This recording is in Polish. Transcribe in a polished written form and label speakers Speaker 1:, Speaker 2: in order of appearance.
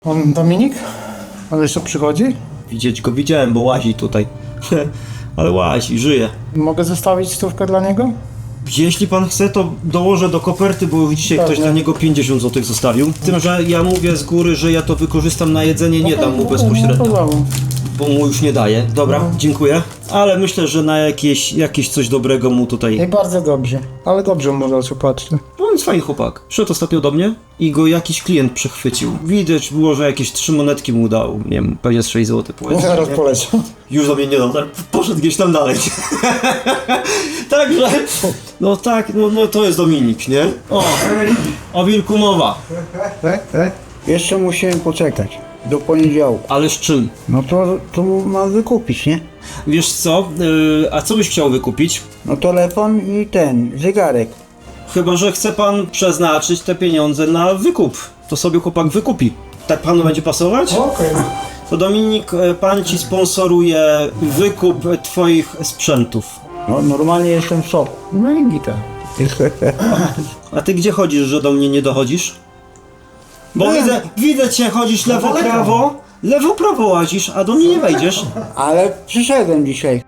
Speaker 1: On Dominik? On jeszcze przychodzi?
Speaker 2: Widzieć go widziałem, bo łazi tutaj. Ale łazi, żyje.
Speaker 1: Mogę zostawić stówkę dla niego?
Speaker 2: Jeśli pan chce, to dołożę do koperty, bo już dzisiaj ktoś dla niego 50 zł zostawił. Tym, że ja mówię z góry, że ja to wykorzystam na jedzenie, nie dam mu bezpośrednio, bo mu już nie daję. Dobra, dziękuję. Ale myślę, że na jakieś coś dobrego mu tutaj...
Speaker 1: I bardzo dobrze. Ale dobrze mu dać, patrzcie.
Speaker 2: On jest fajny chłopak. Przyszedł ostatnio do mnie i go jakiś klient przechwycił. Widać było, że jakieś 3 monetki mu dał. Nie wiem, pewnie z 6 zł powiedzmy.
Speaker 1: Zaraz poleciał.
Speaker 2: Już do mnie nie dał, poszedł gdzieś tam dalej. Także, no tak, no to jest Dominik, nie? O wilku mowa.
Speaker 3: Jeszcze musimy poczekać do poniedziałku.
Speaker 2: Ale z czym?
Speaker 3: No to mam wykupić, nie?
Speaker 2: Wiesz co, a co byś chciał wykupić?
Speaker 3: No telefon i ten, zegarek.
Speaker 2: Chyba że chce pan przeznaczyć te pieniądze na wykup. To sobie chłopak wykupi. Tak panu będzie pasować?
Speaker 1: Okej.
Speaker 2: To Dominik, pan ci sponsoruje wykup twoich sprzętów.
Speaker 3: No normalnie jestem w szoku.
Speaker 1: No i gita.
Speaker 2: A ty gdzie chodzisz, że do mnie nie dochodzisz? Bo widzę cię, chodzisz lewo-prawo łazisz, a do mnie nie wejdziesz.
Speaker 3: Ale przyszedłem dzisiaj.